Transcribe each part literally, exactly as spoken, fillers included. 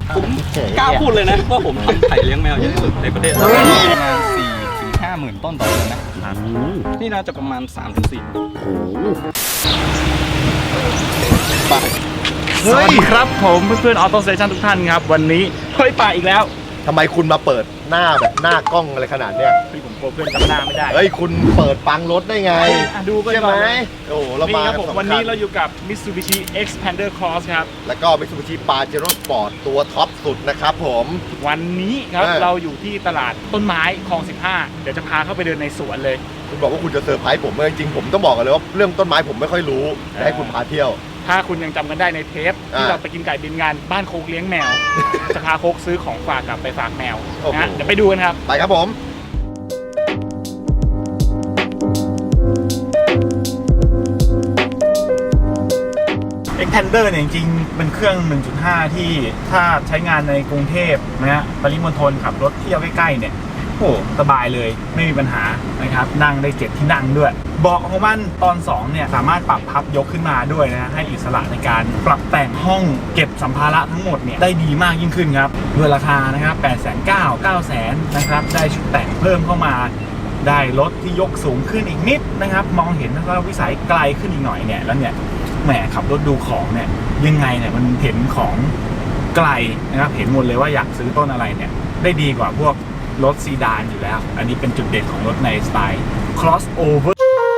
ผมกล้าพูดเลยนะว่าผมทำไข่เลี้ยงแมวเยอะที่สุดในประเทศประมาณสี่ถึงห้าหมื่นต้นต่อเดือนนะนี่น่าจะประมาณสามถึงสี่สวัสดีครับผมเพื่อนๆออโต้สเตชันทุกท่านครับวันนี้เฮ้ยป่าอีกแล้วทำไมคุณมาเปิดหน้าแบบหน้ากล้องอะไรขนาดเนี้ยพี่ผมกลัวเพื่อนจำหน้าไม่ได้เฮ้ยคุณเปิดปังรถได้ไงอ่ะดูกันใช่ก่ไหมอนโอ้โหเรานี่มาครับกันผมสองวันคันี้นเราอยู่กับ Mitsubishi Xpander Cross ครับแล้วก็ Mitsubishi Pajero Sport ตัวท็อปสุดนะครับผมวันนี้ครับเออเราอยู่ที่ตลาดต้นไม้คลองสิบห้าเดี๋ยวจะพาเข้าไปเดินในสวนเลยคุณบอกว่าคุณจะเซอร์ไพรส์ผมจริงๆผมต้องบอกกันเลยว่าเรื่องต้นไม้ผมไม่ค่อยรู้จะให้คุณพาเที่ยวถ้าคุณยังจำกันได้ในเทปที่อ่าเราไปกินไก่บินงานบ้านโคกเลี้ยงแมว จะพาโคกซื้อของฝากกลับไปฝากแมวโอ้โหนะเดี๋ยวไปดูกันครับไปครับผม Xpander เนี่ยจริงๆเป็นเครื่อง หนึ่งจุดห้า ที่ถ้าใช้งานในกรุงเทพนะฮะปริมณฑลขับรถเที่ยวใกล้ๆเนี่ยโอ้สบายเลยไม่มีปัญหานะครับนั่งได้เจ็ดที่นั่งด้วยเบาะของมันตอนสองเนี่ยสามารถปรับพับยกขึ้นมาด้วยนะให้อิสระในการปรับแต่งห้องเก็บสัมภาระทั้งหมดเนี่ยได้ดีมากยิ่งขึ้นครับด้วยราคานะครับแปดแสนเก้า เก้าแสนนะครับได้ชุดแต่งเพิ่มเข้ามาได้รถที่ยกสูงขึ้นอีกนิดนะครับมองเห็นแล้วก็วิสัยไกลขึ้นอีกหน่อยเนี่ยแล้วเนี่ยแหมขับรถดูของเนี่ยยังไงเนี่ยมันเห็นของไกลนะครับเห็นหมดเลยว่าอยากซื้อต้นอะไรเนี่ยได้ดีกว่าพวกรถซีดานอยู่แล้วอันนี้เป็นจุดเด่นของรถในสไตล์ crossover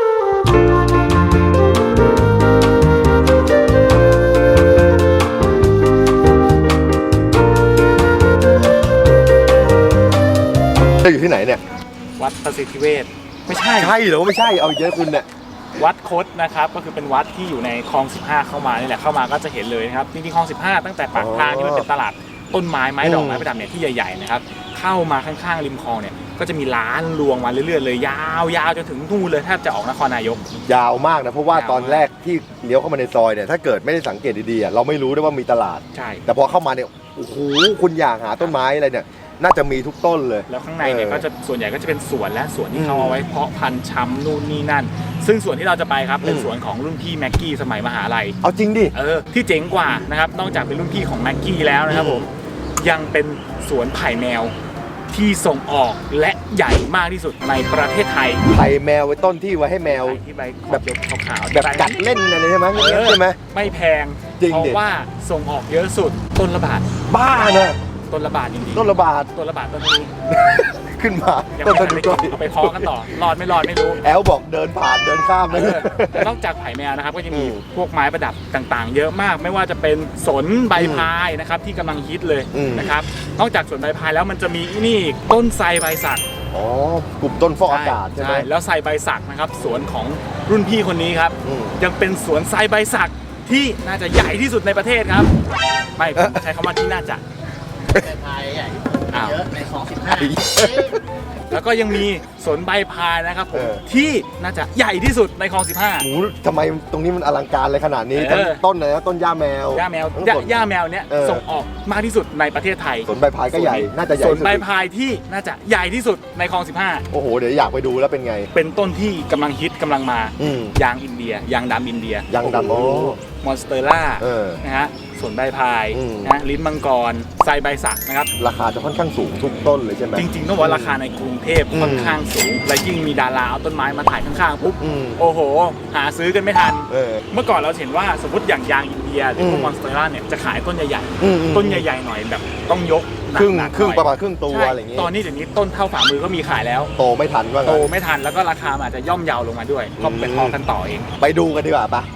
จะอยู่ที่ไหนเนี่ยวัดประสิทธิเวชไม่ใช่ใช่หรือว่าไม่ใช่เอาอีกเยอะคุณเนี่ยวัดคดนะครับก็คือเป็นวัดที่อยู่ในคลองสิบห้าเข้ามานี่แหละเข้ามาก็จะเห็นเลยนะครับจริงๆคลองสิบห้าตั้งแต่ปากทางที่มันเป็นตลาดต้นไม้ไม้ดอกไม้ประดับเนี่ยที่ใหญ่ๆนะครับเข้ามาข้างๆริมคลองเนี่ยก็จะมีร้านรวงมาเรื่อยๆเลยยาวๆจนถึงนู่นเลยแทบจะออกนครนายกยาวมากนะเพราะว่าตอนแรกที่เลี้ยวเข้ามาในซอยเนี่ยถ้าเกิดไม่ได้สังเกตดีๆอ่ะเราไม่รู้ด้วยว่ามีตลาดใช่แต่พอเข้ามาเนี่ยโอ้โหคุณอยากหาต้นไม้อะไรเนี่ยน่าจะมีทุกต้นเลยแล้วข้างในเนี่ยเออก็จะส่วนใหญ่ก็จะเป็นสวนและสวนที่อืมเขาเอาไว้เพาะพันธุ์ชำนู่นนี่นั่น ซึ่งสวนที่เราจะไปครับเป็นอืมสวนของรุ่นพี่แม็กกี้สมัยมหาลัยเอาจริงดิเออที่เจ๋งกว่านะครับนอกจากเป็นรุ่นพี่ของแม็กกี้แล้วนะครับอืมผมยังเป็นสวนไผ่แมวที่ส่งออกและใหญ่มากที่สุดในประเทศไทยไผ่แมวไว้ต้นที่ไว้ให้แมวไผ่ที่ใบขแบอบบ ขาวๆแบบกัดเล่นอะไรใช่ไหมเออใช่ไหมไม่แพงจริงเพดิราะว่าส่งออกเยอะสุดต้นละบาทบ้านะต้นละบาทจริงๆต้นละบาทต้นละบาทต้นนี้ขึ้นมายังต้นไม่สะทันดุได้ดเอาไปเพาะกันต่อรอดไม่รอดไม่รู้แอลบอกเดินผ่านเดินข้ามเอเลยอแต่นอกจากไผ่แมวนะครับก็จะมีอืมพวกไม้ประดับต่างๆ เยอะมาก ไม่ว่าจะเป็นสนใบพายนะครับที่กำลังฮิตเลยอืมนะครับนอกจากสนใบพายแล้วมันจะมีนี่อีกต้นไทรใบสักอ๋อกลุ่มต้นฟอกอากาศใช่ไหมแล้วไทรใบสักนะครับสวนของรุ่นพี่คนนี้ครับอืมยังเป็นสวนไทรใบสักที่น่าจะใหญ่ที่สุดในประเทศครับไม่ผมใช้คำว่าที่น่าจะอ้าวในคลองสิบห้าแล้วก็ยังมีสวนใบพายนะครับผมเออที่น่าจะใหญ่ที่สุดในคลองสิบห้าหมูทำไมตรงนี้มันอลังการเลยขนาดนี้เออต้นอะไรนะต้นหญ้าแมวย่าแมวทั้งย่าสวนย่าแมวเนี้ยเออส่งออกมากที่สุดในประเทศไทยสวนใบพายก็ใหญ่ น่าจะใหญ่สวนที่สุดใบพายที่น่าจะใหญ่ที่สุดในคลองสิบห้าโอ้โห เดี๋ยวอยากไปดูแล้วเป็นไงเป็นต้นที่กำลังฮิตกำลังมาอืมยางอินเดีย ยางดำอินเดียยางดำโอ้มอนสเตอร่าเออนะฮะสวนใบพายอืมนะลิ้นมังกรไทรใบสักนะครับราคาจะค่อนข้างสูงทุกต้นเลยใช่ไหมจริงๆต้องบอกว่าราคาในกรุงเทพอืมค่อนข้างสูง และยิ่งมีดาราเอาต้นไม้มาถ่ายข้างๆปุ๊บอืมโอ้โห หาซื้อกันไม่ทันเออเมื่อก่อนเราเห็นว่าสมมติอย่างยางอินเดียหรือพวอืกมมอนสเตอร่าเนี่ยจะขายต้นใหญ่อืมอืมๆต้นใหญ่ๆหน่อยแบบต้องยกหนักครึ่งหนักครึ่งหน่อยประมาณครึ่งตัวใช่อะไรอย่างงี้ตอนนี้เดี๋ยวนี้ต้นเท่าฝ่ามือก็มีขายแล้วโตไม่ทันว่าโตงั้นไม่ทันแล้วก็ราคามันอาจจะย่อมเยาวลงมาด้วยก็ไปอืมพอกันต่อเองไปดูกันดีกว่าปะ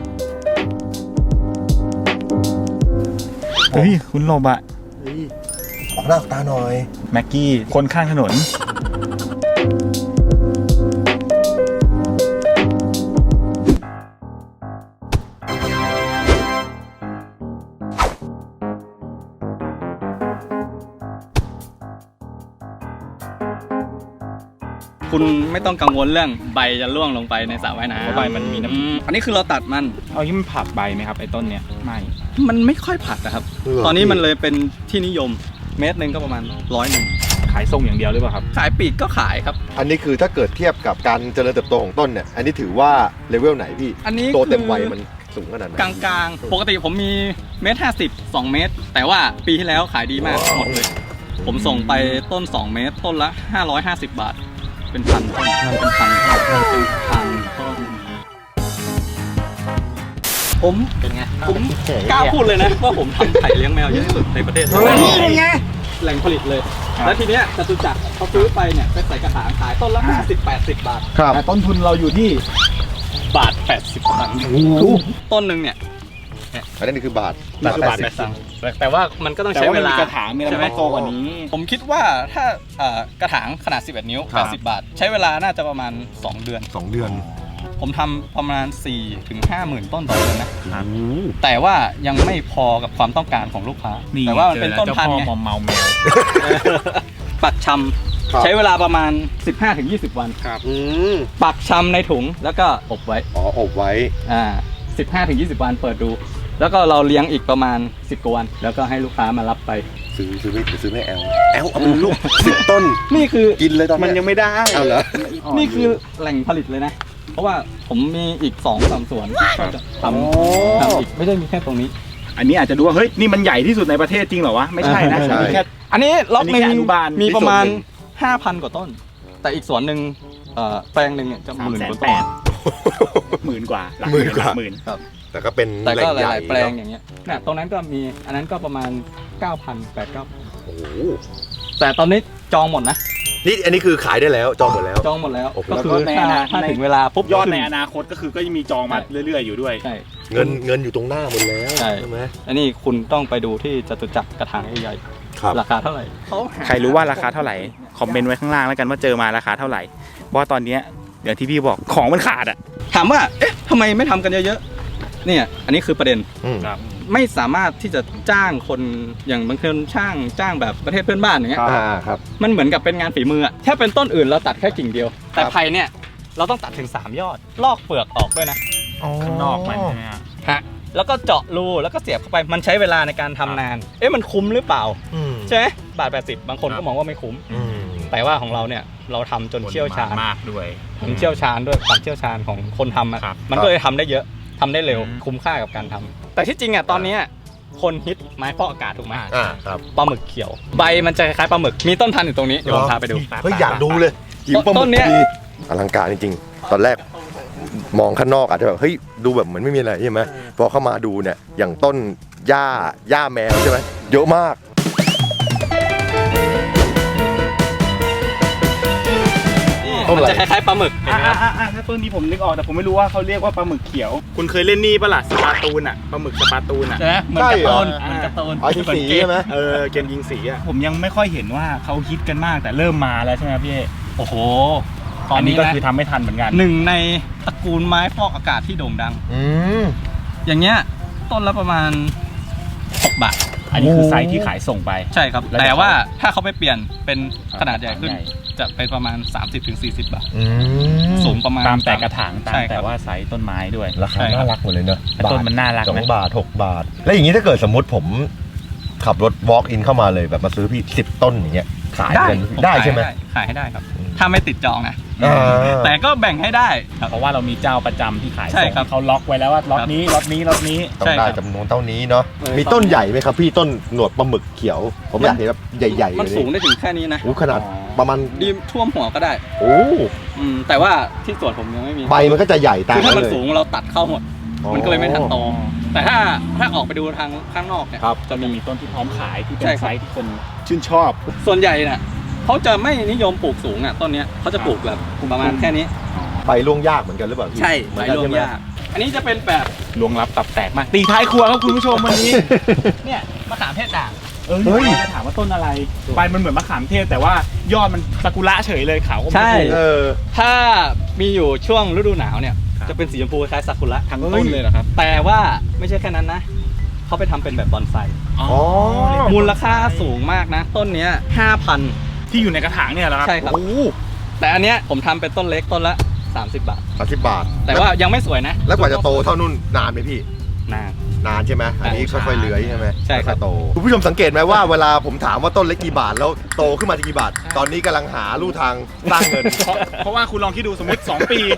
เฮ้ยคุณลบอะเฮ้ยออกหน้าออกตาหน่อยแม็กกี้คนข้างถนนคุณไม่ต้องกังวลเรื่องใบจะร่วงลงไปในสระว่ายน้ำเพราะใบมันมีน้ำอือันนี้คือเราตัดมันเอาที่มันผักใบไหมครับไอ้ต้นเนี้ยไม่มันไม่ค่อยผัดนะครับเหรอตอนนี้มันเลยเป็นที่นิยมเมตรหนึ่งก็ประมาณร้อยหนึ่งขายส่งอย่างเดียวหรือเปล่าครับขายปีกก็ขายครับอันนี้คือถ้าเกิดเทียบกับการเจริญเติบโตของต้นเนี่ย อันนี้ถือว่าเลเวลไหนพี่อันนี้โตเต็มคือวัยมันสูงขนาดไหนกลางๆ ปกติผมมีเมตรห้าสิบสองเมตร แต่ว่าปีที่แล้วขายดีมากหมดเลย ผมส่งไปต้นสองเมตรต้นละห้าร้อยห้าสิบบาท เป็นพันต้นเป็นพันต้นเป็นพันต้นผมเป็นไงผมกล้าพูดเลยนะว่าผมทำไข่เลี้ยงแมวเยอะที่สุดในประเทศไทยเป็นไงแหล่งผลิตเลย แล้วทีเนี้ยจตุจักรเขาซื้อไปเนี่ยไปใส่กระถางขายต้นละห้าสิบ แปดสิบบาทครับแต่ต้นทุนเราอยู่ที่บาทแปดสิบตังค์ต้นหนึ่งเนี่ยอันนี้คือบาทนี่คือบาทแปดสิบแต่ว่ามันก็ต้องใช้เวลาแต่ว่ามันมีกระถางมีอะไรใช่ไหมมันต้องโตกว่านี้ผมคิดว่าถ้าเอ่อกระถางขนาดสิบเอ็ดนิ้วครับแปดสิบบาท ใช้เวลาน่าจะประมาณสองเดือนสองเดือนผมทำประมาณสี่ถึงห้าหมื่นต้นต่อเดือนนะ แต่ว่ายังไม่พอกับความต้องการของลูกค้า แต่ว่ามันเป็นต้นพันธุ์ไงมอมเมาแมวปักชครับำใช้เวลาประมาณ สิบห้าถึงยี่สิบ วันอืมปักชำในถุงแล้วก็อบไว้อ๋ออบไว้อ่า สิบห้าถึงยี่สิบ วันเปิดดู แล้วก็เราเลี้ยงอีกประมาณสิบกว่าวัน แล้วก็ให้ลูกค้ามารับไปซื้อซื้อไม่ซื้อไม่แอลแอลเอาเป็นลูกสิบต้นนี่คือกินเลยตอนมันเนี้ยังไม่ได้เอาเหรอนี่คือแหล่งผลิตเลยนะ เพราะว่าผมมีอีกสองสามสวนก็จะทโอ้ำทำอีกไม่ได้มีแค่ตรงนี้อันนี้อาจจะดูว่าเฮ้ยนี่มันใหญ่ที่สุดในประเทศจริงเหรอวะไม่ใช่นะใช่มีแค่อันนี้ล็อกหนึ่งอันนี้แค่อนุบาลมีประมาณนี่ส่วนหนึ่งห้าพันกว่าต้น แต่อีกสวนหนึ่งเอ่อแปลงหนึ่งเนี่ยจะหสามมื่นแสนกว่าแปต้นดหมื่นกว่าหลักหมื่นกว่าหมื่นครับแต่ก็เป็นแต่แหล่ก็งหใหญ่ลายๆแปลงเนอะอย่างเงี้ยเนี่ยตรงนั้นก็มีอันนั้นก็ประมาณ เก้าพัน แปด เก้าโอ้โหแต่ตอนนี้จองหมดนะนี่อันนี้คือขายได้แล้วจองหมดแล้วจองหมดแล้วโอ้โหก็คืแล้วอก็ในถ้าอนาถ้าในถึงเวลาปุ๊บยอดในขึ้อนาคตก็คือก็ยังมีจองมาเรื่อยๆอยู่ด้วยใช่เงินเงินอยู่ตรงหน้าหมดแล้วใช่ใช่ไหมอันนี้คุณต้องไปดูที่จตุจักรกระถางใหญ่ครับๆราคาเท่าไหร่เขาหใครรู้ว่าราคาเท่าไหร่คอมเมนต์ไว้ข้างล่างแล้วกันว่าเจอมาราคาเท่าไหร่เพราะว่าตอนเนี้ยอย่างที่พี่บอกของมันขาดอ่ะถามว่าเอ๊ะทำไมไม่ทำกันเยอะๆเนี่ยอันนี้คือประเด็นอืมไม่สามารถที่จะจ้างคนอย่างบางคนช่างจ้างแบบประเทศเพื่อนบ้านอย่างเงี้ยครับอ่าครับมันเหมือนกับเป็นงานฝีมืออะถ้าเป็นต้นอื่นเราตัดแค่กิ่งเดียว แต่ครับไผ่เนี่ยเราต้องตัดถึงสามยอด ลอกเปลือกออกด้วยนะข้างนอกมันใช่ไหมฮะฮะแล้วก็เจาะรูแล้วก็เสียบเข้าไปมันใช้เวลาในการทำนาน เอ๊ะมันคุ้มหรือเปล่าอืมใช่ไหมบาทแปดสิบบางคนครัก็บมองว่าไม่คุ้มอืมแต่ว่าของเราเนี่ยเราทำจนเชี่ยวชาญมากด้วยผมเชี่ยวชาญด้วยความเชี่ยวชาญของคนทำอะครับมันก็เลยทำได้เยอะทำได้เร็วอืมคุ้มค่ากับการทำแต่ที่จริงอ่ะตอนเนี้ยคนฮิตไม้ฟอกอากาศถูกไหมอ่าครับปลาหมึกเขียว ใบมันจะคล้ายๆปลาหมึกมีต้นพันธุ์อยู่ตรงนี้เดี๋ยวผมพาไปดูเฮ้ยอยากดูเลยหิวปลาหมึต้กนเนี้ยดีอลังการจริงๆ ตอนแรกมองข้างนอกอาจจะแบบเฮ้ยดูแบบเหมือนไม่มีอะไรใช่ไหมพอเข้ามาดูเนี่ยอย่างต้นหญ้าหญ้าแมวใช่ไหมเยอะมากนี่ต้นมันอะไรจะคล้ายๆปลาหมึกเห็นอ่าไหมอ่าอ่าถ้าต้นนี้ผมนึกออกแต่ผมไม่รู้ว่าเขาเรียกว่าปลาหมึกเขียว คุณเคยเล่นนี่ปะล่ะสปาตูนอ่ะปลาหมึกสปาตูนอ่ะใช่ไหมเหมือนใช่การ์เหรอตูนเหมือนการ์ตูนอ๋อที่สีใช่ไหมเออเกมยิงสีอ่ะผมยังไม่ค่อยเห็นว่าเขาฮิตกันมากแต่เริ่มมาแล้วใช่ไหมพี่เอโอ้โหตอนนี้ก็คือทำไม่ทันเหมือนกันหนึ่งในตระกูลไม้ฟอกอากาศที่โด่งดังอืมอย่างเงี้ยต้นละประมาณหกบาทอันนี้คือไซส์ที่ขายส่งไปใช่ครับแล้วแต่เดี๋ยวว่าถ้าเขาไปเปลี่ยนเป็นขนาดใหญ่ขึ้นใหญ่จะเป็นประมาณ สามสิบถึงสี่สิบ บาทอืมสูงประมาณตามแต่กระถางตามใช่ครับแต่ว่าไซส์ต้นไม้ด้วยราคาน่ารักหมดเลยเนอะแต่ต้นมันน่ารักสองนะบาทหกบาท แล้วอย่างนี้ถ้าเกิดสมมติผมขับรถ walk in เข้ามาเลยแบบมาซื้อพี่สิบต้นอย่างเงี้ยขายกันผมได้ขายใช่ไหมขายให้ได้ครับ ถ้าไม่ติดจองนะอ่าแต่ก็แบ่งให้ได้ครับเพราะว่าเรามีเจ้าประจำที่ขายใช่ส่งครับเขาล็อกไว้แล้วว่าล็อตนี้ล็อตนี้ล็อตนี้ต้องใช่ได้ครับจำนวนเท่านี้เนาะเออมีต้นใหญ่ไหมครับพี่ต้นหนวดปลาหมึกเขียว ผมอยากเห็นแบบใหญ่ๆมันเลยสูงได้ถึงแค่นี้นะโอ้ขนาดอ๋อประมาณดีท่วมหัวก็ได้โอ้อืมแต่ว่าที่สวนผมยังไม่มีใบมันก็จะใหญ่ตามคือถ้ามันเลยสูงเราตัดเข้าหมดอ๋อมันก็เลยไม่ทันโต แต่ถ้าถ้าออกไปดูทางข้างนอกเนี่ยครับจะมีต้นที่พร้อมขายที่เป็ใช่นครับไซส์ที่คนชื่นชอบส่วนใหญ่เนี่ยเขาจะไม่นิยมปลูกสูงอ่ะต้นเนี้ยเขาจะปลูกแบบประมาณแค่นี้ใบร่วงยากเหมือนกันหรือเปล่าพี่ใช่เหมืใบอนกันรวมใช่ไหมยาก อันนี้จะเป็นแบบลวงลับตับแตกมากตีท้ายครัวครับคุณผู้ชมวันนี้เนี่ยมะขามเทศด่างเออจะถามว่าต้นอะไรใบมันเหมือนมะขามเทศแต่ว่ายอดมันซากุระเฉยเลยขาวอมชมใช่พูเออถ้ามีอยู่ช่วงฤดูหนาวเนี่ยครับจะเป็นสีชมพูคล้ายซากุระทั้งต้นเลยเหรอครับแต่ว่าไม่ใช่แค่นั้นนะเขาไปทำเป็นแบบบอนไซอ๋อมูลค่าสูงมากนะ ต้นเนี้ยห้าพันที่อยู่ในกระถางเนี่ยเหรอครับใช่ครับโอ้แต่อันเนี้ยผมทำเป็นต้นเล็กต้นละสามสิบบาทสามสิบบาทแต่ว่ายังไม่สวยนะแล้วกว่าจะโตเท่านุ่นนานไหมพี่นานนานใช่ไหมอันนี้ค่อยๆเลื้อยใช่ไหมใช่ครับอยๆโตคุณผู้ชมสังเกตไหมว่าเวลาผมถามว่าต้นเล็กกี่บาทแล้วโตขึ้นมากี่บาท ตอนนี้กำลังหาลู่ทางสร้างเงินเพราะเพราะว่าคุณลองคิดดูสมมติ สอง ปี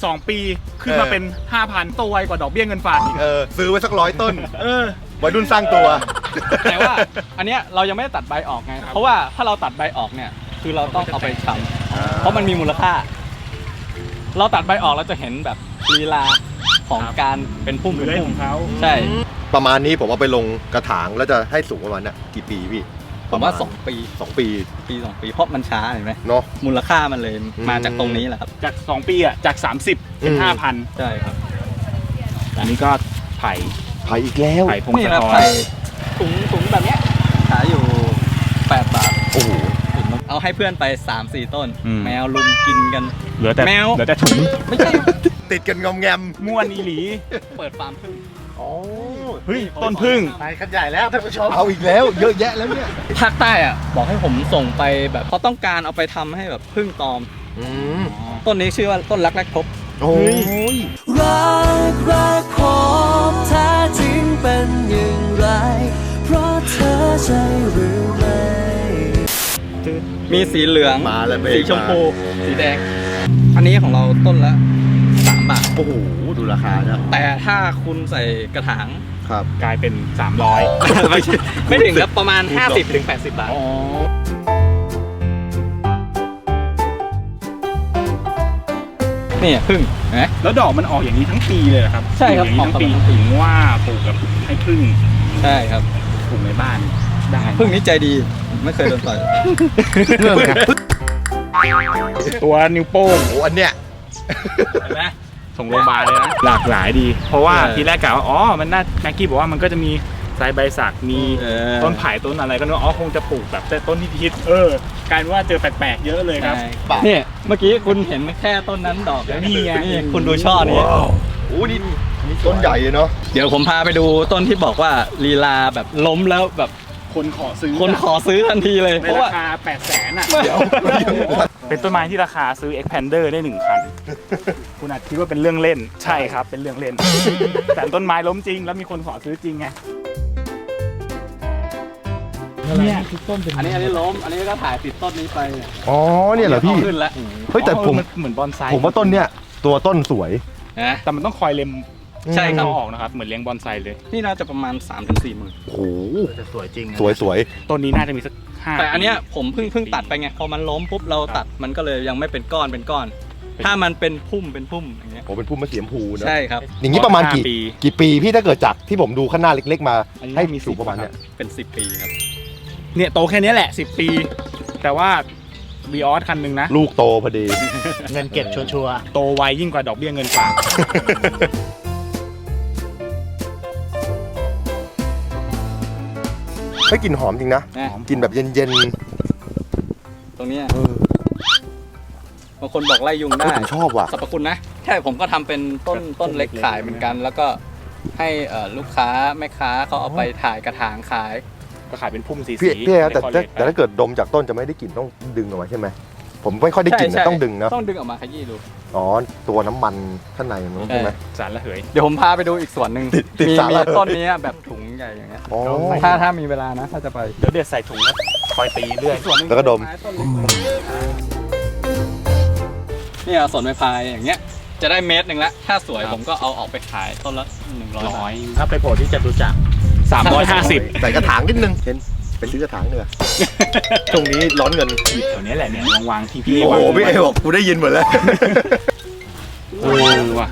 สองปีขึ้นมาเป็น ห้าพัน ตัวไวกว่าดอกเบี้ยเงินฝากอีกเออซื้อไว้สักร้อยต้นเออวัยรุ่นสร้างตัวแต่ว่าอันเนี้ยเรายังไม่ได้ตัดใบออกไง เพราะว่าถ้าเราตัดใบออกเนี่ยคือเราต้องเอาไปทำเพราะมันมีมูลค่า เราตัดใบออกเราจะเห็นแบบลีลาของการเป็นพุ่มเป็นเลื้อยพุ่ขมองเขาใช่ประมาณนี้ผมเอาไปลงกระถางแล้วจะให้สูงประมาณน่ะกี่ปีพี่ผมว่าสองปีสองปีปีสองปีเพราะมันช้าเห็นไหมเนาะมูลค่ามันเลยอืมมาจากตรงนี้แหละครับจากสองปีอ่ะจากสามสิบเป็นอืมห้าพันใช่ครับอันนี้ก็ไผ่ไผ่อีกแล้วไผ่พงนี่ศนะธรไผ่ถุงถุงแบบเนี้ยขายอยู่แปดบาทโอ้โหเอาให้เพื่อนไปสามสี่ต้น แมวลุมกินกันเหลือแต่แมวเหลือแต่ถุงไม่ใช่ติดกันงอมแงมม่วนอีหลีเปิดฟาร์มพึ่งอ๋อเฮ้ยต้นพึ่งไปกันใหญ่แล้วท่านผู้ชมเอาอีกแล้วเยอะแยะแล้วเนี่ยภาคใต้อ่ะบอกให้ผมส่งไปแบบเขาต้องการเอาไปทำให้แบบพึ่งตอมอืมต้นนี้ชื่อว่าต้นรักแรกพบโอ้ยรักรักพบแท้จริงเป็นอย่างไร เพราะเธอใช่หรือไม่มีสีเหลืองมาแล้วเบรกสีชมพูสีแดง อันนี้ของเราต้นละสามบาทโอ้โหดูราคานะแต่ถ้าคุณใส่กระถางครับกลายเป็นสามร้อยไม่ใช่ไม่ถึงครับประมาณ ห้าสิบถึงแปดสิบบาทอ๋อนี่พึ่งเห็นไหมแล้วดอกมันออกอย่างนี้ทั้งปีเลยเหรอครับใช่ครับอย่างนี้ทั้งปีออกตลอดทั้งปีถึงว่าปลูกกับให้พึ่งใช่ครับปลูกในบ้านได้พึ่งนี้ใจดีไม่เคยโดนต่อยตัวนิ้วโป้งโอ้อันเนี้ยเห็นไหมส่งโรงพยาบาลเลยนะ หลากหลายดี เพราะว่าเออทีแรกกะว่าอ๋อมันน่าแม็กกี้บอกว่ามันก็จะมีไซใบสักมีเออต้นไผ่ต้นอะไรก็นึกว่าอ๋อคงจะปลูกแบบแต่ต้นที่ฮิตเออกลายเป็นว่าเจอแปลกๆเยอะเลยครับเนี่ยเมื่อกี้คุณเห็นแค่ต้นนั้นดอกนี่ไงนี่คุณดูช่อนี้โอ้นี่ต้นใหญ่เลยเนาะเดี๋ยวผมพาไปดูต้นที่บอกว่าลีลาแบบล้มแล้วแบบคนขอซื้อคนขอซื้อทันทีเลยในเพราะราว่าคาแปดแสนอ่ะเดี๋ยวเป็นต้นไม้ที่ราคาซื้อ expander ได้หนึ่งคัน คุณอาจคิดว่าเป็นเรื่องเล่น ใช่ครับ เป็นเรื่องเล่น แต่ต้นไม้ล้มจริง แล้วมีคนขอซื้อจริงไงเนี่ยทุกต้นเป็นอันนี้อันนี้ล้ม อันนี้ก็ถ่ายติดต้นนี้ไปอ๋อเนี่ยเหรอพี่าขึ้นแล้วเฮ้ยแต่ผมนเหมือนบอนไซผมว่าต้นเนี้ยตัวต้นสวยนะแต่มันต้องคอยเล็มใช่ครับเอาออกนะครับ เหมือนเลี้ยงบอนไซเลยนี่น่าจะประมาณ สามถึงสี่หมื่นโอ้โหจะสวยจริงนะสวยสวยต้นนี้น่าจะมีสักห้าแต่อันเนี้ยผมเพิ่งเพิ่งตัดไปไง พอมันล้มปุ๊บเราตัดมันก็เลยยังไม่เป็นก้อนเป็นก้อน ถ้ามันเป็นพุ่มเป็นพุ่มอย่างเงี้ยโอ้เป็นพุ่มมะเสียมพูเนอะใช่ครับอย่างนี้ประมาณกี่ปีกี่ปีพี่ถ้าเกิดจากที่ผมดูข้างหน้าเล็ก ๆ มาอันนี้ให้มีมีสูงประมาณสิบเนี้ยเป็นสิบปีครับเนี่ยโตแค่นี้แหละสิบปี แต่ว่าวีออสคันหนึ่งนะลูกโตพอดีเงินเก็บชัวร์โตไวยิ่งกว่าดอกเบี้ยเงินฝากให้กลิ่นหอมจริงนะนะกลิ่นแบบเย็นตรงเนี้ยๆเออบางคนบอกไล่ยุงได้เฮ้ยผมชอบว่ะสรรพคุณนะ ใช่ผมก็ทำเป็นต้นต้นเล็กขายเหมือนกัน แล้วก็ให้เอ่อลูกค้าแม่ค้าเขาเอาไปถ่ายกระถางขายก็ขายเป็นพุ่มสีพี่สีพี่ครับแต่ในคอลแต่เลจแต่ถ้าเกิดดมจากต้นจะไม่ได้กลิ่นต้องดึงออกมาใช่ไหมผมไม่ค่อยได้กลิ่นใช่นะใช่ต้องดึงนะต้องดึงออกมาขยี้ดูอ๋อตัวน้ำมันข้างในมันใช่ไหมสารระเหยเดี๋ยวผมพาไปดูอีกส่วนหนึ่งติดติดมีสาระมีต้นนี้แบบถุงใหญ่อย่างเงี้ยอ๋อถ้าถ้ามีเวลานะถ้าจะไปเดี๋ยวเด็ดใส่ถุงแล้วคอยตีเรื่อยส่วนหนึ่งแล้วก็ดมไต้นเล็กเนี่ยสวนไม้พายอย่างเงี้ยจะได้เมตรหนึ่งละถ้าสวยผมก็เอาออกไปขายต้นละหนึ่งร้อยบาร้อทยๆถ้าไปโผล่ที่จตุจักรสามร้อยห้าสิบใส่กระถางนิดนึงเห็นไปซื้อกระถางเนื้อช่วงนี้ร้อนเงินแถวนี้แหละเนี่ยวางวางที่พี่โอ้วางโหพี่เอบอกกูได้ยินหมดแล้วเออว่ะ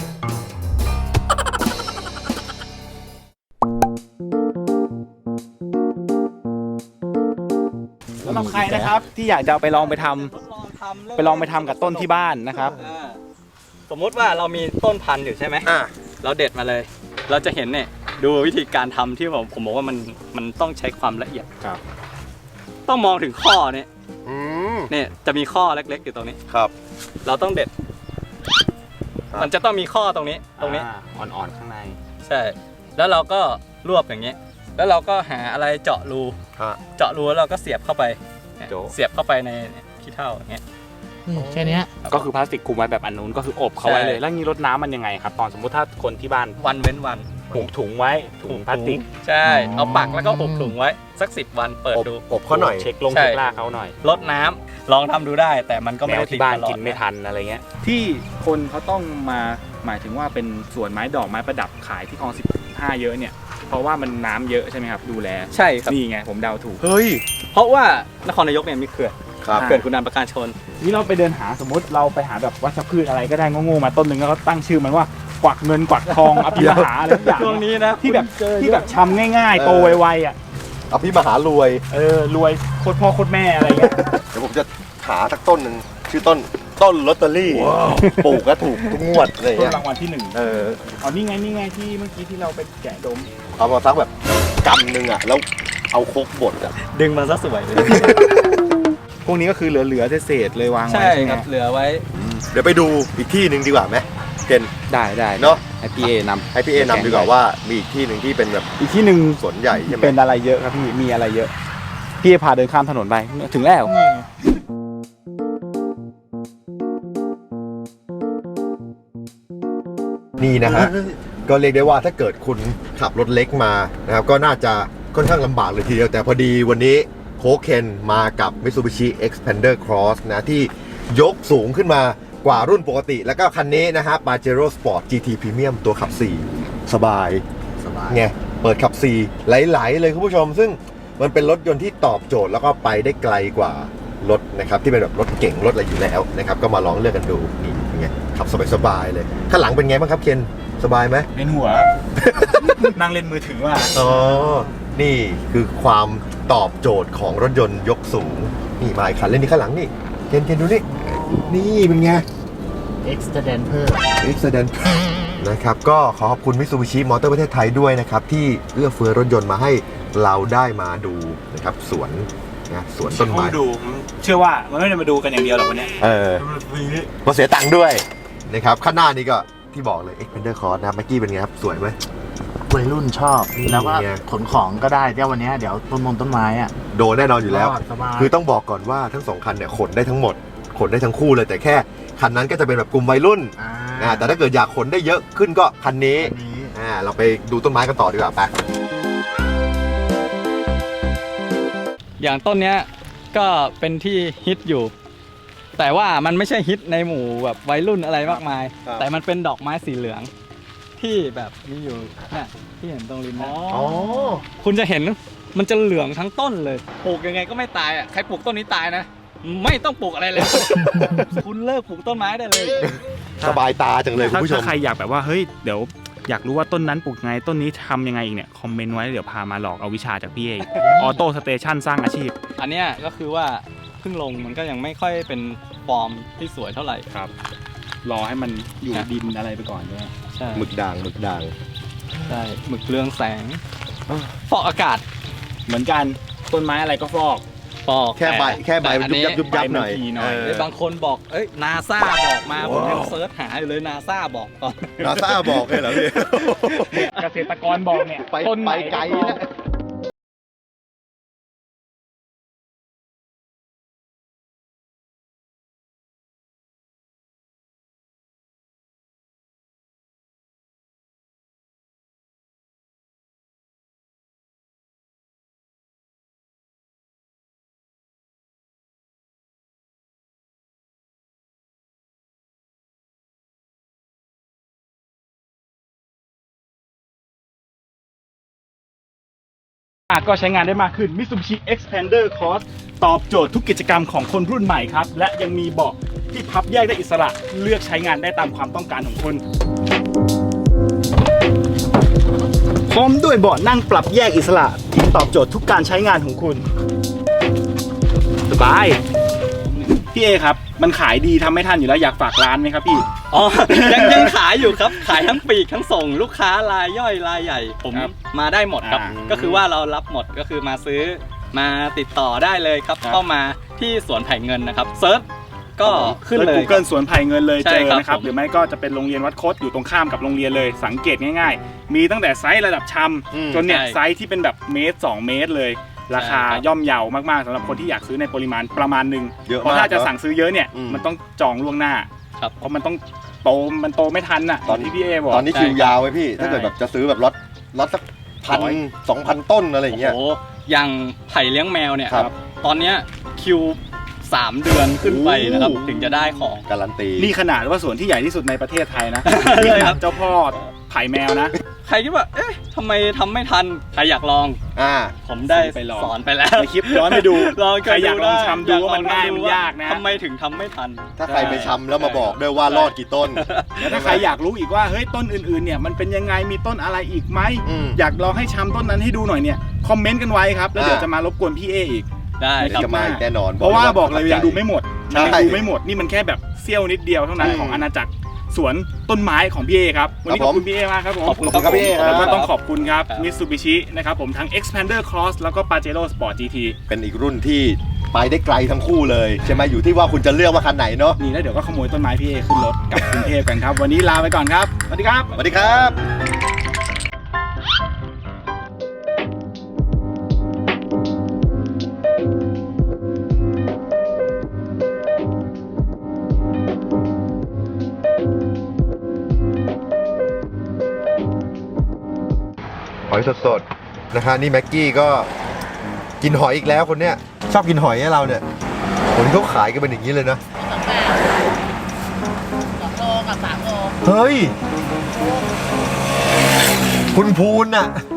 สำหรับใครนะครับที่อยากจะเอาไปลองไปทำ ไปลองไปทำกับต้นที่บ้านนะครับอ่าสมมุติว่าเรามีต้นพันธุ์อยู่ใช่ไหมอ่ะเราเด็ดมาเลย เราจะเห็นเนี่ยดูวิธีการทำที่ผมผมบอกว่ามันมันต้องใช้ความละเอียดครับต้องมองถึงข้อเนี่ยอืมเนี่ยจะมีข้อเล็กๆอยู่ตรงนี้ครับเราต้องเด็ดครับมันจะต้องมีข้อตรงนี้ตรงนี้อ่าอ่อนๆข้างในใช่ แล้วเราก็รวบอย่างเงี้ยแล้วเราก็หาอะไรเจาะรูฮะเจาะรูแล้วเราก็เสียบเข้าไปเนี่ยโจ๊ะเสียบเข้าไปในขี้เถ้าอย่างเงี้ยแค่เนี้ยก็คือพลาสติกคลุมไว้แบบอันนู้นก็คืออบเขาไว้เลยใช่แล้วงี้รดน้ำมันยังไงครับ ตอนสมมุติถ้าคนที่บ้านวันเว้นวันผูกถุงไว้ถุงพลาสติกใช่ เอาปักแล้วก็ผูกถุงไว้สักสิบวันเปิดอบดูอบเขาหน่อยเช็คลงใช่เช็คล่าเขาหน่อยลดน้ำลองทำดูได้ แต่มันก็แมไม่วได้ติดที่บ้านตลอดกินไม่ทันอะไรเงี้ยที่คนเขาต้องมาหมายถึงว่าเป็นสวนไม้ดอกไม้ประดับขายที่คลองสิบห้าเยอะเนี่ยเพราะว่ามันน้ำเยอะใช่ไหมครับดูแลใช่ครับนี่ไงผมเดาถูกเฮ้ยเพราะว่านครนายกเนี่ยมีเขื่อนครับเขื่อนขุนด่านประการชนนี่เราไปเดินหาสมมติเราไปหาแบบวัชพืชอะไรก็ได้โง่ๆมาต้นหนึ่งแล้วก็ตั้งชื่อมันว่ากวักเงินกวักทองอภิมหาอะไรทุกอย่างช่วงนี้นะที่แบบที่แบบชำง่ายๆ โตไวๆอ่ะเอาพี่มหารวยเออรวยโคตรพ่อโคตรแม่อะไรเงี้ยเดี๋ยวผมจะหาสักต้นหนึ่งชื่อต้นต้นลอตเตอรี่ปลูกก็ถูกทุกงวดอะไรต้นเงี้ยรางวัลที่หนึ่งเอออ๋อนี่ไงนี่ไงที่เมื่อกี้ที่เราไปแกะดมเอามาสักแบบกำหนึ่งอ่ะแล้วเอาโคกบดอ่ะดึงมันซะสวยเลยพวกนี้ก็คือเหลือๆเศษๆเลยวางไว้ใช่ใช่ไหคมรับ เหลือไว้เดี๋ยวไปดูอีกที่หนึ่งดีกว่าไหมเกนได้ได้เนาะให้พี่เอนำให้พี่เอนำดีกว่าว่ามีอีกที่หนึ่งที่เป็นแบบอีกที่หนึ่งสวนใหญ่ใช่ไหมเป็นอะไรเยอะครับพี่มีอะไรเยอะ พี่พาเดินข้ามถนนไปถึงแล้วนี่นะฮะก็เรียกได้ว่าถ้าเกิดคุณขับรถเล็กมานะครับก็น่าจะค่อนข้างลำบากเลยทีเดียวแต่พอดีวันนี้โคเคนมากับ Mitsubishi Xpander Cross นะที่ยกสูงขึ้นมากว่ารุ่นปกติ แล้วก็คันนี้นะฮะ Pajero Sport จี ที Premium ตัวขับสี่สบายสบายไงเปิดขับสี่ไหลๆเลยคุณผู้ชม ซึ่งมันเป็นรถยนต์ที่ตอบโจทย์แล้วก็ไปได้ไกลกว่ารถนะครับที่เป็นแบบรถเก่งรถอะไรอยู่แล้วนะครับก็มาลองเลือกกันดูนี่เป็นไงขับสบายๆเลยข้างหลังเป็นไงบ้างครับเคนสบายไหมเล่นหัว นั่งเล่นมือถือว่าอ๋อ นี่คือความตอบโจทย์ของรถยนต์ยกสูง นี่มาอีกคันเล่นนี่ข้างหลังนี่เคนเคนดูนี่ นี่เป็นไง Extend เพิ่ม Accident นะครับ ก็ขอขอบคุณ Mitsubishi Motor ประเทศไทยด้วยนะครับ ที่เอื้อเฟื้อรถยนต์มาให้เราได้มาดูนะครับ สวนนะสวนต้นไม้ดูเชื่อว่ามันไม่ได้มาดูกันอย่างเดียวหรอกวันนี้เออมาเสียตังค์ด้วยนะครับ ข้างหน้านี่ก็ที่บอกเลย Xpander Cross นะเมื่อกี้เป็นไงครับ สวยไหมวัยรุ่นชอบนี่แล้วก็ไงขนของก็ได้เดี๋ยววันนี้เดี๋ยวต้นมงต้นไม้อ่ะโดนแน่นอนอยู่แล้วรอดสบายคือต้องบอกก่อนว่าทั้งสองคันเนี่ยขนได้ทั้งหมด ขนได้ทั้งคู่เลยแต่แค่คันนั้นก็จะเป็นแบบกลุ่มวัยรุ่นอ่าอ่าแต่ถ้าเกิดอยากขนได้เยอะขึ้นก็คันนี้อันนี้อ่าเราไปดูต้นไม้กันต่อดีกว่าไปอย่างต้นเนี้ยก็เป็นที่ฮิตอยู่ แต่ว่ามันไม่ใช่ฮิตในหมู่แบบวัยรุ่นอะไรมากมาย แต่มันเป็นดอกไม้สีเหลือง ที่แบบมีอยู่เนี่ยที่เห็นตรงริมนะอ๋อคุณจะเห็นมันจะเหลืองทั้งต้นเลยปลูกยังไงก็ไม่ตายอ่ะใครปลูกต้นนี้ตายนะ ไม่ต้องปลูกอะไรเลย คุณเลิกปลูกต้นไม้ได้เลยสบายตาจังเลยคุณถ้าผู้ชมถ้าใครอยากแบบว่าเฮ้ยเดี๋ยวอยากรู้ว่าต้นนั้นปลูกไงต้นนี้ทำยังไงอีกเนี่ยคอมเมนต์ไว้เดี๋ยวพามาหลอกเอาวิชาจากพี่เองออโต้สเตชันสร้างอาชีพอันเนี้ยก็คือว่าเพิ่งลงมันก็ยังไม่ค่อยเป็นฟอร์มที่สวยเท่าไหร่ครับ รอให้มันอยู่ดินอะไรไปก่อนเนี่ยใช่หมึกด่างหมึกด่างใช่หมึกเรืองแสงฟอกอากาศเหมือนกันต้นไม้อะไรก็ฟอกฟอกแค่ใบต่แค่ใบแต่มันอัยุบยับยุบยับหน่อยใบมันทีหน่อยเออเอ้ยบางคนบอกเอ้ยนาซาบอกมาผมยังเซิร์ชหาอยู่เลยนาซาบอกก่อนนาซาบอกเลยเหรอพี่เกษตรกรบอกเนี่ยไปต้นไหนไปไกลฟอกนะอ่ะก็ใช้งานได้มากขึ้น Mitsubishi Xpander Cross ตอบโจทย์ทุกกิจกรรมของคนรุ่นใหม่ครับ และยังมีเบาะที่พับแยกได้อิสระเลือกใช้งานได้ตามความต้องการของคุณพร้อมด้วยเบาะนั่งปรับแยกอิสระที่ตอบโจทย์ทุกการใช้งานของคุณสบายพี่เอครับมันขายดีทำไม่ทันอยู่แล้วอยากฝากร้านไหมครับพี่อ๋อ ยังยังขายอยู่ครับ ขายทั้งปีกทั้งส่งลูกค้ารายย่อยรายใหญ่ ผมครับมาได้หมดครับอ่าก็คือว่าเรารับหมดก็คือมาซื้อมาติดต่อได้เลยครับครับเข้ามาที่สวนไผ่เงินนะครับเซิร์ชก็ขึ้นเลยกูเกิลสวนไผ่เงินเลยใช่เจอครับนะครับผมหรือไม่ก็จะเป็นโรงเรียนวัดคดอยู่ตรงข้ามกับโรงเรียนเลยสังเกตง่ายๆ มีตั้งแต่ไซส์ระดับชอืมำจนเนี่ยใช่ไซส์ที่เป็นแบบเมตรสองเมตรเลย ราคาใช่ครับย่อมเยาวมากๆสำหรับคนที่อยากซื้อในปริมาณประมาณหนึ่งเยอะเพราะมากถ้าจะเนอะสั่งซื้อเยอะเนี่ยอืมมันต้องจองล่วงหน้าครับเพราะมันต้องโตมันโตไม่ทันอ่ะตอนที่พี่เอบอกตอนนี้ใช่คิวยาวไว้พี่ใช่ถ้าเกิดแบบจะซื้อแบบล็อตล็อตสักพันร้อยสองพันต้นอะไรอย่างเงี้ยโอ้โหอย่างไผ่เลี้ยงแมวเนี่ยครับตอนเนี้ยคิวสามเดือนขึ้นไปนะครับโอ้ถึงจะได้ของการันตีนี่ขนาดว่าสวนที่ใหญ่ที่สุดในประเทศไทยนะใช่นี่ขครันาดบเจ้าพ่อไผ่แมวนะใครคิดว่า เอ๊ะทำไมทำไม่ทัน ใครอยากลองอ่าผมได้ไปลองสอนไปแล้วในคลิปย้อนไปดูลองใครอยากลองทำดูว่ามันง่ายอมันยากนะทำไมถึงทำไม่ทันถ้าใครไปชำแล้วมาบอกด้วยว่ารอดกี่ต้นแล้วถ้าใครอยากรู้อีกว่าเฮ้ยต้นอื่นๆเนี่ยมันเป็นยังไงมีต้นอะไรอีกไหมอืมอยากลองให้ชำต้นนั้นให้ดูหน่อยเนี่ยคอมเมนต์กันไว้ครับแล้วเดี๋ยวอ่าจะมารบกวนพี่เออีกได้เดี๋ยวครับจะมาอีกแน่นอนเพราะว่าบอกเลยประทัยังดูไม่หมดใช่ยังดูไม่หมดนี่มันแค่แบบเสี้ยวนิดเดียวเท่านั้นอืมของอาณาจักรสวนต้นไม้ของพี่เอครับวันนี้คขรับอบคุณพี่เอมากครับผมขอบคุณขอบคุณครับพี่เอครับแล้วก็ต้องขอบคุณครับครับ Mitsubishi นะครับผมทั้ง Expander Cross แล้วก็ Pajero Sport จี ทีเป็นอีกรุ่นที่ไปได้ไกลทั้งคู่เลยใช่ไหมอยู่ที่ว่าคุณจะเลือกว่าคันไหนเนาะนี่แล้วเดี๋ยวก็ขโมยต้นไม้พี่เอขึ้นรถกลับกรุงเทพกันครับวันนี้ลาไปก่อนครับสวัสดีครับสวัสดีครับ หอยสดๆนะฮะนี่แม็กกี้ก็กินหอยอีกแล้วคนเนี้ยชอบกินหอยให้เราเนี่ยวันนี้เขาขายกันเป็นอย่างนี้เลยนะสองโลกับสามโลเฮ้ย คุณพูนน่ะ